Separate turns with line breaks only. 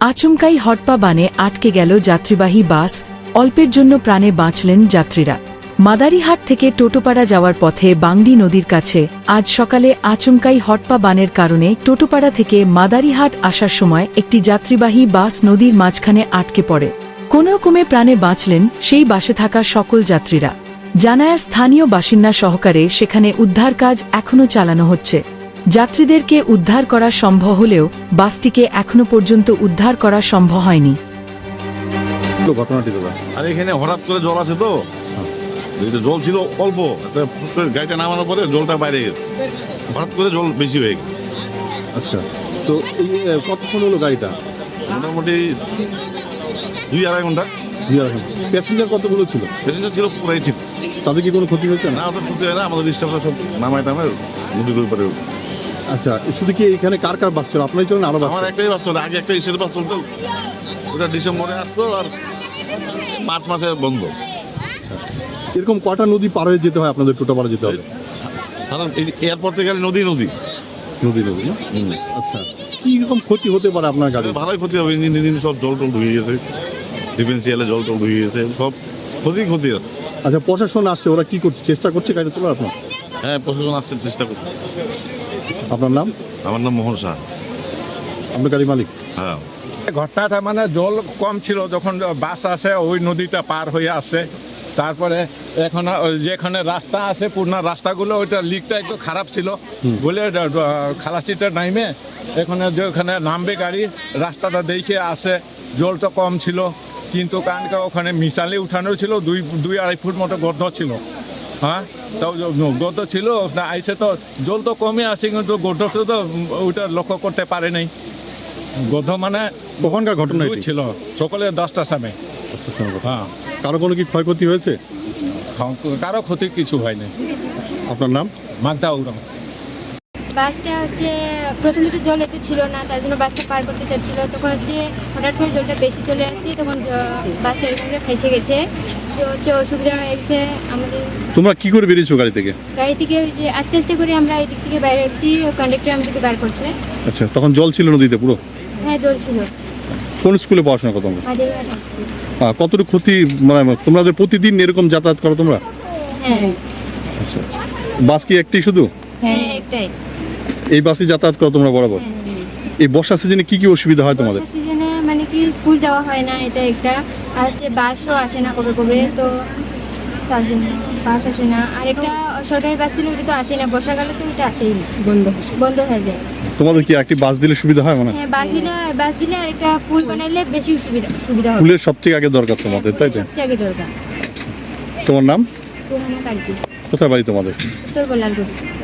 আচমকাই হটপা বানে আটকে গেল যাত্রীবাহী বাস, অল্পের জন্য প্রাণে বাঁচলেন যাত্রীরা। মাদারিহাট থেকে টোটোপাড়া যাওয়ার পথে বাংডি নদীর কাছে আজ সকালে আচমকাই হটপা বানের কারণে টোটোপাড়া থেকে মাদারিহাট আসার সময় একটি যাত্রীবাহী বাস নদীর মাঝখানে আটকে পড়ে। কোনোরকমে প্রাণে বাঁচলেন সেই বাসে থাকা সকল যাত্রীরা। জানায় স্থানীয় বাসিন্দা সহকারে সেখানে উদ্ধার কাজ এখনও চালানো হচ্ছে। যাত্রীদেরকে উদ্ধার করা সম্ভব হলেও বাসটিকে এখনো পর্যন্ত উদ্ধার করা সম্ভব হয়নি।
ঘটনাটি দাদা,
আর এখানে হঠাৎ করে জল আছে তো, জল ছিল অল্প, গাড়িটা নামানোর পরে জলটা বাইরে গেছে, হঠাৎ করে জল বেশি হয়ে গেছে।
আচ্ছা, তো এই কতক্ষণ হলো গাড়িটা?
মোটামুটি 2-2.5 ঘন্টা।
প্যাসেঞ্জার কতগুলো ছিল?
প্যাসেঞ্জার ছিল পুরাই ঠিক।
তাদের কি কোনো ক্ষতি হয়েছে?
না, ওটা ক্ষতি হয় না, আমাদের স্টাফরা সব নামায় টামায় নদীর উপরে।
আচ্ছা, শুধু কি এখানে কার কার বাস ছিল? আপনারই চলেন আরো বাস?
আমার একটাই বাস চলে, আগে একটা ইসের বাস চলতো, ওটা ডিসেম্বরে আসতো আর মার্চ মাসে বন্ধ।
এরকম কটা নদী পার হয়ে যেতে হয় আপনাদের? টোটোপাড়া যেতে হবে?
কারণ এয়ারপোর্ট থেকে গেলে নদী নদী
নদী নদী না? আচ্ছা, কি রকম ক্ষতি হতে পারে আপনার গাড়ি?
ভালোই ক্ষতি হবে, ইঞ্জিন সব জল টল ধুয়ে গেছে, ডিফেন্সিয়ালে জল টল ধুয়ে গেছে, সব ক্ষতি আছে।
আচ্ছা, প্রশাসন আসছে, ওরা কি করছে? চেষ্টা করছে গাড়ি তোলার আপনার?
হ্যাঁ, প্রশাসন আসছে, চেষ্টা করছে।
আপনার নাম?
আমার নাম মোহন শাহ।
আপনার গাড়ি মালিক?
হ্যাঁ।
ঘটনাটা মানে জল কম ছিল যখন বাস আসে, ওই নদীটা পার হয়ে আসে। তারপরে এখন যেখানে রাস্তা আছে পুরনো রাস্তাগুলো, ওইটা লিকটা একটু খারাপ ছিল বলে খালাসিটা নামে এখানে যেখানে নামবে গাড়ি, রাস্তাটা দেখে আসে। জলটা কম ছিল, কিন্তু কারণ ওখানে মিশালি উঠানো ছিল, 2-2.5 ফুট মতো গর্ত ছিল। হ্যাঁ, তাও গর্ত ছিল, আইসে তো জল তো কমে আসে, কিন্তু গর্তটা তো ওইটা লক্ষ্য করতে পারে নাই। গর্ত মানে
কখনকার ঘটনা
ছিল সকালে 10টার সময়। হ্যাঁ।
কারো কোনো কি ক্ষয়ক্ষতি হয়েছে?
কারো ক্ষতি কিছু হয়নি।
আপনার নাম?
মাগদা উড়াম।
বাসটা হচ্ছে প্রথমে তো জল এত ছিল না, তার জন্য বাসটা পার করতে চাচ্ছিল। তখন হচ্ছে হঠাৎ করে জলটা বেশি চলে আসছে, তখন বাসটা এরকম করে ফেসে গেছে। তো হচ্ছে অসুবিধা হয়ে গেছে আমাদের।
তোমরা কি করে বেরিয়েছো গাড়ি থেকে?
গাড়ি থেকে যে আস্তে আস্তে করে আমরা এই দিক থেকে বাইরে হচ্ছি, কন্ডাক্টর আমাদেরকে বার করছে।
আচ্ছা, তখন জল ছিল নদীতে পুরো?
হ্যাঁ, জল ছিল।
কোন স্কুলে পড়াশোনা করো তোমরা?
Madarihat high school.
কতটুকু ক্ষতি, মানে তোমাদের প্রতিদিন এরকম যাতায়াত করো তোমরা?
হ্যাঁ।
আচ্ছা আচ্ছা, বাস কি একটি শুধু?
হ্যাঁ, একটাই।
এই বাসে যাতায়াত করো তোমরা বরাবর? এই বর্ষা সিজনে কি কি অসুবিধা হয় তোমাদের?
বর্ষা সিজনে মানে কি স্কুল যাওয়া হয় না, এটা একটা। আর হচ্ছে বাসও আসে না কবে কবে, তো তার জন্য বাস আসে না। আর একটা সরকারি বাস ছিল, ওটা তো আসে না, বর্ষাকালে তো ওটা আসেই না, বন্ধ হয়ে যায়।
তোমাদের কি একটি বাস দিলে সুবিধা হয়? মানে
হ্যাঁ, বাস দিলে আর একটা পুল বানাইলে বেশি সুবিধা হবে।
ফুলের সবচেয়ে আগে দরকার তোমাদের, তাই তো?
সবচেয়ে আগে দরকার।
তোমার নাম?
সোহানা কার্জি,
কোথায় বাড়ি তোমাদের?
উত্তর বলারপুর।